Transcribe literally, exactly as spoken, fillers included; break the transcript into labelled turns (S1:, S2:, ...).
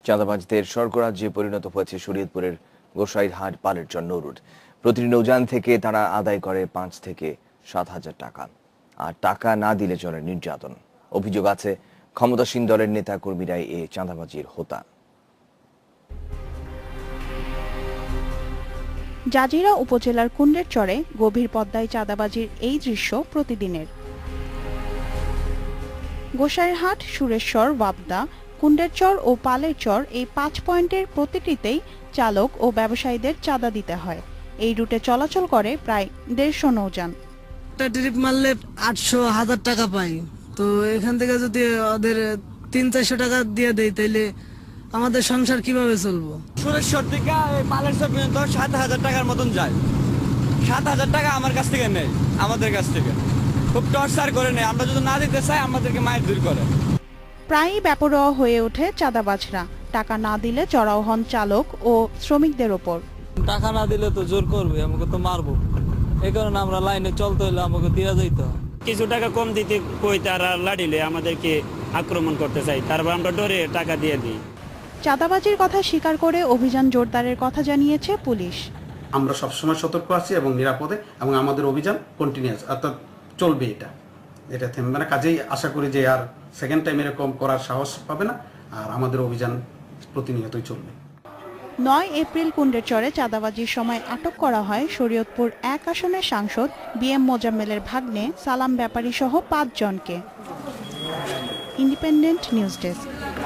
S1: চাঁদাবাজদের স্বর্গরাজ্যে পরিণত হয়েছে শরীয়তপুরের গোসাইরহাট পালেরচর নৌরুট। প্রতিটি নৌযান থেকে তারা আদায় করে পাঁচ থেকে সাত হাজার টাকা, আর টাকা না দিলে চলে নির্যাতন। অভিযোগ আছে ক্ষমতাসীন দলের নেতা কর্মীরাই এ চাঁদাবাজির হোতা।
S2: জাজিরা উপজেলার কুন্ডের চরে গভীর পদ্মায় চাঁদাবাজির এই দৃশ্য প্রতিদিনের। গোসাইরহাট, সুরেশ্বর, ওয়াবদা, কুন্ডেরচর ও পালেরচর এই পাঁচ পয়েন্টের প্রতিটিতেই চালক ও ব্যবসায়ীদের চাঁদা দিতে হয়। এই রুটে চলাচল করে প্রায় দেড়শো নৌযান।
S3: ট্রিপ মারলে আটশো হাজার টাকা পাই, তো এখান থেকে যদি ওদের তিন চারশো টাকা দিয়ে দেয় তাইলে আমাদের সংসার কিভাবে চলবো?
S4: সুরেশ্বর থেকে পালেরচর পর্যন্ত সাত হাজার টাকার মতন যায়। সাত হাজার টাকা আমার কাছ থেকে নেই, আমাদের কাছ থেকে খুব টর্চার করে নেয়। আমরা যদি না দিতে চাই আমাদেরকে মায়ের দূর করে।
S2: প্রায়ই বেপরোয়া হয়ে ওঠে চাঁদাবাজরা। টাকা না দিলে চড়াও হন চালক ও শ্রমিকদের ওপর।
S5: টাকা না দিলে তো জোর করবে, আমাকে তো মারবো। এই কারণে আমরা লাইনে চলতে হলে আমাকে দিয়ে যাইতে হয়।
S6: কিছু টাকা কম দিতে কই তারা লাড়িলে আমাদেরকে আক্রমণ করতে চাই, তারপর আমরা ডরে টাকা দিয়ে দিই।
S2: চাঁদাবাজির কথা স্বীকার করে অভিযান জোরদারের কথা জানিয়েছে পুলিশ।
S7: আমরা সবসময় সতর্ক আছি এবং নিরাপদে, এবং আমাদের অভিযান কন্টিনিউয়াস, অর্থাৎ চলবে। এটা এটা থেমবে না। কাজেই আশা করি যে আর সেকেন্ড টাইম এরকম করার সাহস পাবে না, আর আমাদের অভিযান প্রতিনিয়তই চলবে।
S2: নয় এপ্রিল কুন্ডেরচরে চাঁদাবাজির সময় আটক করা হয় শরীয়তপুর এক আসনের সাংসদ বি এম মোজাম্মেলের ভাগ্নে সালাম ব্যাপারী সহ পাঁচ জনকে। Independent news desk.